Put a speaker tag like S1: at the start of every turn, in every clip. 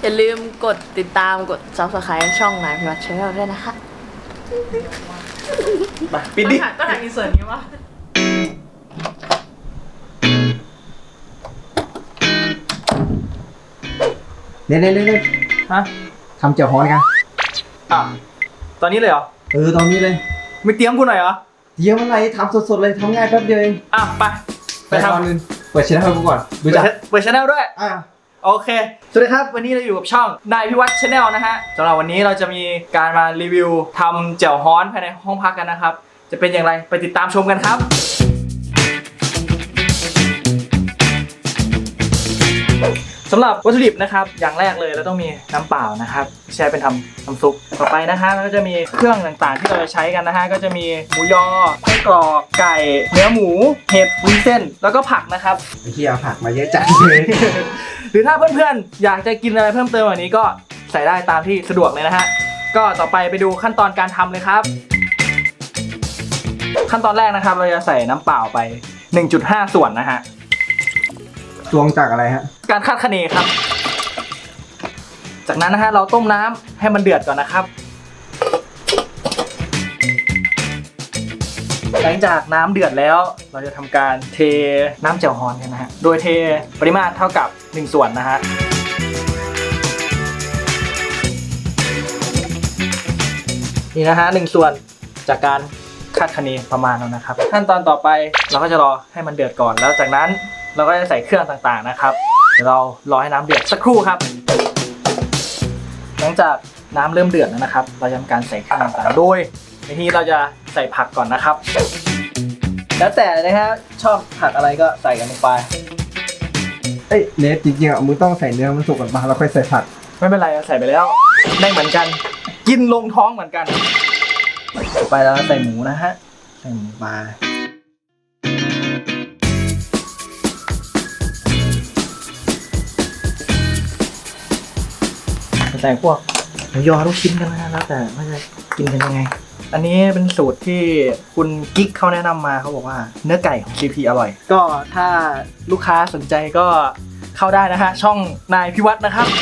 S1: อย่าลืมกดติดตามกด Subscribe ช่องนายพิวัฒน์ Channel ด้วยนะคะ
S2: ไปปิดดิ
S1: ก็ถ่ายอินเสิร์ตนี้วะ
S3: เนี่ย
S2: ฮะ
S3: ทำเจียวฮ้อนกัน
S2: ตอนนี้เลยเหรอ
S3: ตอนนี้เลย
S2: ไม่เตรียมกูหน่อยเหรอ
S3: เตรียมอะไรทำสดๆเลยทำง่ายแป๊บเดียวเอง
S2: ไปทำ
S3: นึงเปิดช่องให้กูก่อนดูจ้ะ
S2: เปิดช่องด้วยโอเคสวัสดีครับวันนี้เราอยู่กับช่องนายพิวัฒน์ Channel นะฮะสำหรับวันนี้เราจะมีการมารีวิวทำแจ่วฮ้อนภายในห้องพักกันนะครับจะเป็นอย่างไรไปติดตามชมกันครับสำหรับวัตถุดิบนะครับอย่างแรกเลยเราต้องมีน้ำเปล่านะครับใช้เป็นทำน้ำซุปต่อไปนะฮะแล้วก็จะมีเครื่องต่างๆที่เราจะใช้กันนะฮะก็จะมีหมูยอไส้กรอกไก่เนื้อหมูเห็ดวุ้นเส้นแล้วก็ผักนะครับ
S3: ไอ้ที่เอาผักมาเยอะจัดเลย
S2: หรือถ้าเพื่อนๆอยากจะกินอะไรเพิ่มเติมแบบนี้ก็ใส่ได้ตามที่สะดวกเลยนะฮะก็ต่อไปดูขั้นตอนการทำเลยครับขั้นตอนแรกนะครับเราจะใส่น้ำเปล่าไป 1.5 ส่วนนะฮะ
S3: ตวงจากอะไรฮะ
S2: การคาดคะเนครับจากนั้นนะฮะเราต้มน้ำให้มันเดือดก่อนนะครับหลังจากน้ำเดือดแล้วเราจะทำการเทน้ำแจ่วฮ้อนกันนะฮะโดยเทปริมาตรเท่ากับ1ส่วนนะฮะนี่นะฮะ1ส่วนจากการคาดคะเนประมาณแล้วนะครับขั้นตอนต่อไปเราก็จะรอให้มันเดือดก่อนแล้วจากนั้นเราก็จะใส่เครื่องต่างๆนะครับเดี๋ยวเรารอให้น้ำเดือดสักครู่ครับหลังจากน้ำเริ่มเดือดแล้วนะครับเราจะทำการใส่เครื่องต่างๆโดยในที่เราจะใส่ผักก่อนนะครับแล้วแต่นะฮะชอบผักอะไรก็ใส่กันลงไป
S3: เนฟจริงๆมึงต้องใส่เนื้อมันสุกก่อนมาแล้วค่อยใส่ผัก
S2: ไม่เป็นไรใส่ไปแล้วได้เหมือนกันกินลงท้องเหมือนกันต่อไปเราใส่หมูนะฮะใส่หมูไปใส่พวกหมูยอลูกชิ้นกันนะแล้วแต่ว่าจะกินกันยังไงอันนี้เป็นสูตรที่คุณกิ๊กเขาแนะนำมาเขาบอกว่าเนื้อไก่ของ CP อร่อยก็ถ้าลูกค้าสนใจก็เข้าได้นะฮะช่องนายพิวัฒน์นะครับ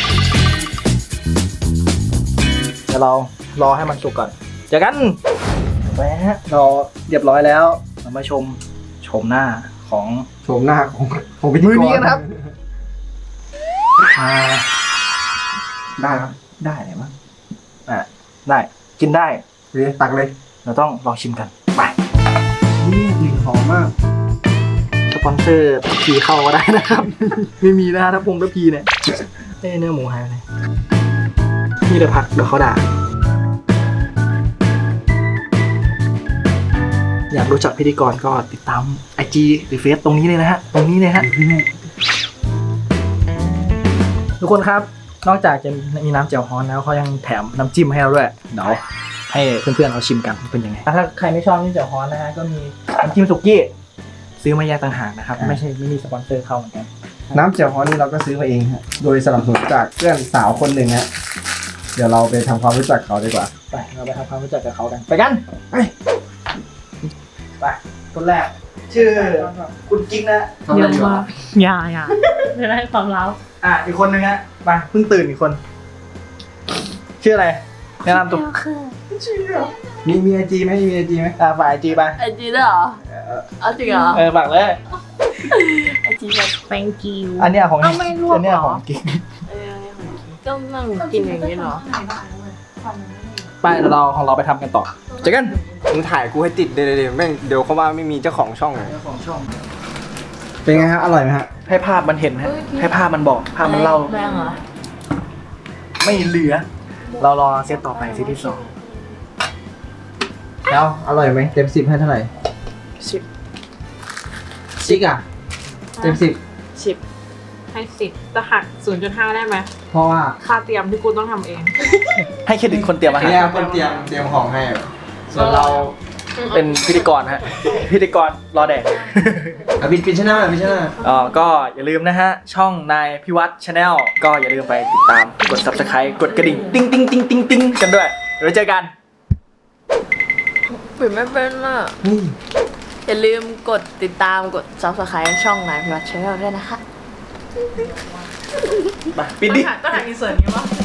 S2: เดี๋ยวเรารอให้มันสุกก่อนเจอกันไปฮะเราเรียบร้อยแล้วเรามาชมหน้าของ
S3: พิธีกร
S2: มือนี้กันครับ
S3: ได้ครับ
S2: ได้ไหนบ้างได้กินได้
S3: ตักเลย
S2: เราต้องลองชิมกันไป
S3: นี่กลิ่นหอมมาก
S2: สปอนเซอร์พีเข้าก็ได้นะครับไม่มีนะถ้าพีเนี่ยเนื้อหมูหายไปไหนนี่เดี๋ยวพักเดี๋ยวเขาด่าอยากรู้จักพิธีกรก็ติดตาม IG หรือเฟซตรงนี้เลยนะฮะทุกคนครับนอกจากจะมีน้ำแจ่วฮ้อนแล้วเขายังแถมน้ำจิ้มให้เราด้วยเดี๋ยวให้เพื่อนๆเราชิมกันเป็นยังไงถ้าใครไม่ชอบน้ำแจ่วฮ้อนนะฮะก็มีน้ำจิ้มสุกี้ซื้อมาแยกต่างหากนะครับไม่มีสปอนเซอร์เข้าเหมือนกัน
S3: น้ำแจ่วฮ้อนนี่เราก็ซื้อมาเองฮะโดยสนับสนุนจากเพื่อนสาวคนหนึ่งฮะเดี๋ยวเราไปทำความรู้จักเขาดีกว่า
S2: ไปเราไปทำความรู้จักกับเขากันไปกันไปคนแรกชื่อคุณกิ๊กนะ
S1: เยอะมากอย่าจะได้ความลับ
S2: อีกคนนึงฮะไปเพิ่งตื่นอีกคนชื่ออะไรแนะนำตัว
S3: มีไอจีไหม
S2: ฝากไอจีไป
S1: ไอจีด้วยเหรอเอาจริงเหรอ
S2: ฝากเลย
S1: ไอจีแบบ thank you
S2: อันนี้ของ
S1: ไม่รวบ
S2: อันนี้ของกิ๊ก
S1: ก็นั่งกินอย่างนี้เหรอ
S2: ไปเราของเราไปทำกันต่อเจอกัน
S3: มึงถ่ายกูให้ติดเดี๋ยวแม่งเดี๋ยวเขาว่าไม่มีเจ้าของช่องเลย
S2: เจ้าของช่อง
S3: เป็นไงฮะอร่อยไหมฮะ
S2: ให้ภาพมันเห็นฮะให้ภาพมันบอกภาพมันเล่าไม่เหลือเรารอเซตต่อไปเซตที่2
S3: แล้วอร่อยไหมเต็ม10ให้เท่าไหร่
S1: 10
S3: จิ๊กอ่ะเต็ม10
S1: ให้10จะหัก 0.5 ได้ไหม
S3: เพราะว่า
S1: ค่าเตรียมที่กูต้องทำเอง
S2: ให้เครดิตคนเตรียมอาหาร
S3: เนี่ยคนเตรียมของให้ส่วนเรา
S2: เป็นพิธีกรฮะพิธีกรรอแดก
S3: บินชนะ
S2: ก็อย่าลืมนะฮะช่องนายพิวัฒน์ Channel ก็อย่าลืมไปติดตามกด Subscribe กดกระดิ่งติ๊งกันด้วยเดี๋ยวเจอกัน
S1: ปิดไม่เป็นอ่ะอย่าลืมกดติดตามกด Subscribe ช่องนายพิวัฒน์ Channel ด้วยนะคะ
S3: ไปปิดดิ
S1: ก็ถ่ายอินเสิร์ตนี้วะ